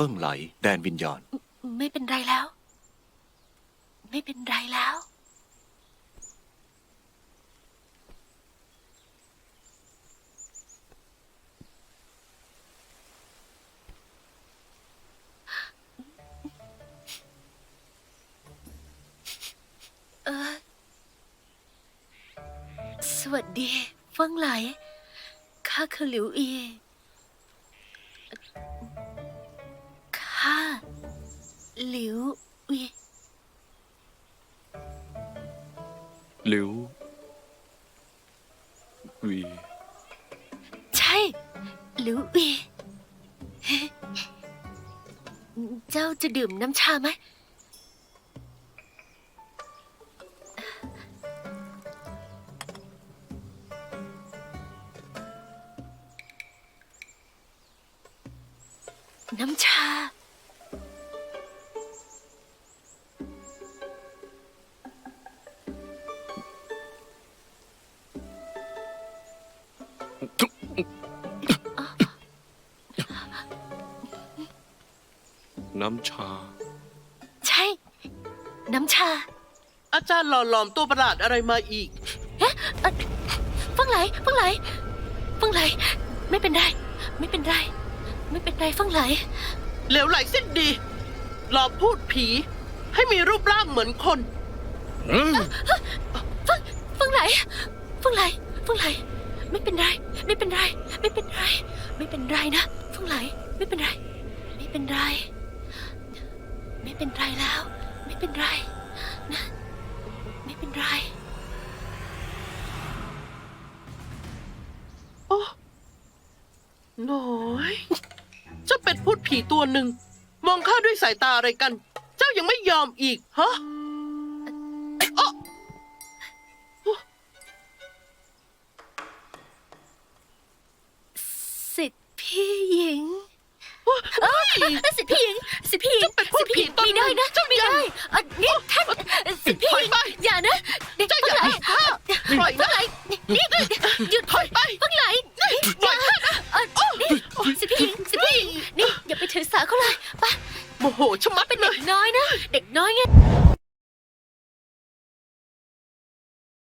เฟิ่งไหลแดนวิญญาณไม่เป็นไรแล้ว ไม่เป็นไรแล้ว สวัสดีเฟิ่งไหลข้าคือหลิวอีข้าหลิวอีหลิววีใช่หลิวอีเจ้าจะดื่มน้ำชาไหมน้ำชาน้ำชาใช่ น้ำชาอาจารย์หล่อหลอมตัวประหลาดอะไรมาอีกเฟิ่งไหลเฟิ่งไหลเฟิ่งไหลไม่เป็นไร ไม่เป็นไร ไม่เป็นไรเฟิ่งไหลเหลวไหลสิ้นดีหลอกพูดผี ให้มีรูปร่างเหมือนคนเฟิ่งไหลเฟิ่งไหลเฟิ่งไหลไม่เป็นไร ไม่เป็นไร ไม่เป็นไร ไม่เป็นไรนะเฟิ่งไหลไม่เป็นไร ไม่เป็นไร ไม่เป็นไรแล้ว ไม่เป็นไรนะไม่เป็นไรโอ้น้อยเจ้าเป็ดพูดผีตัวหนึ่ง มองข้าด้วยสายตาอะไรกัน เจ้ายังไม่ยอมอีกฮะโอ้สิทธิ์พี่หญิง สิทธิ์พี่หญิงสิทธิ์พี่หญิงเจ้าเป็ดพูดผีตัวหไม่นึ่ได้งนะเจ้าไม่ยังได้นี่ท่านสิทธิ์พี่หญิงปล่อยไปอย่านะเจ้าอย่าเฟิ่งไหลให้ข้าปล่อยเฟิ่นะงไหลนี่หยุด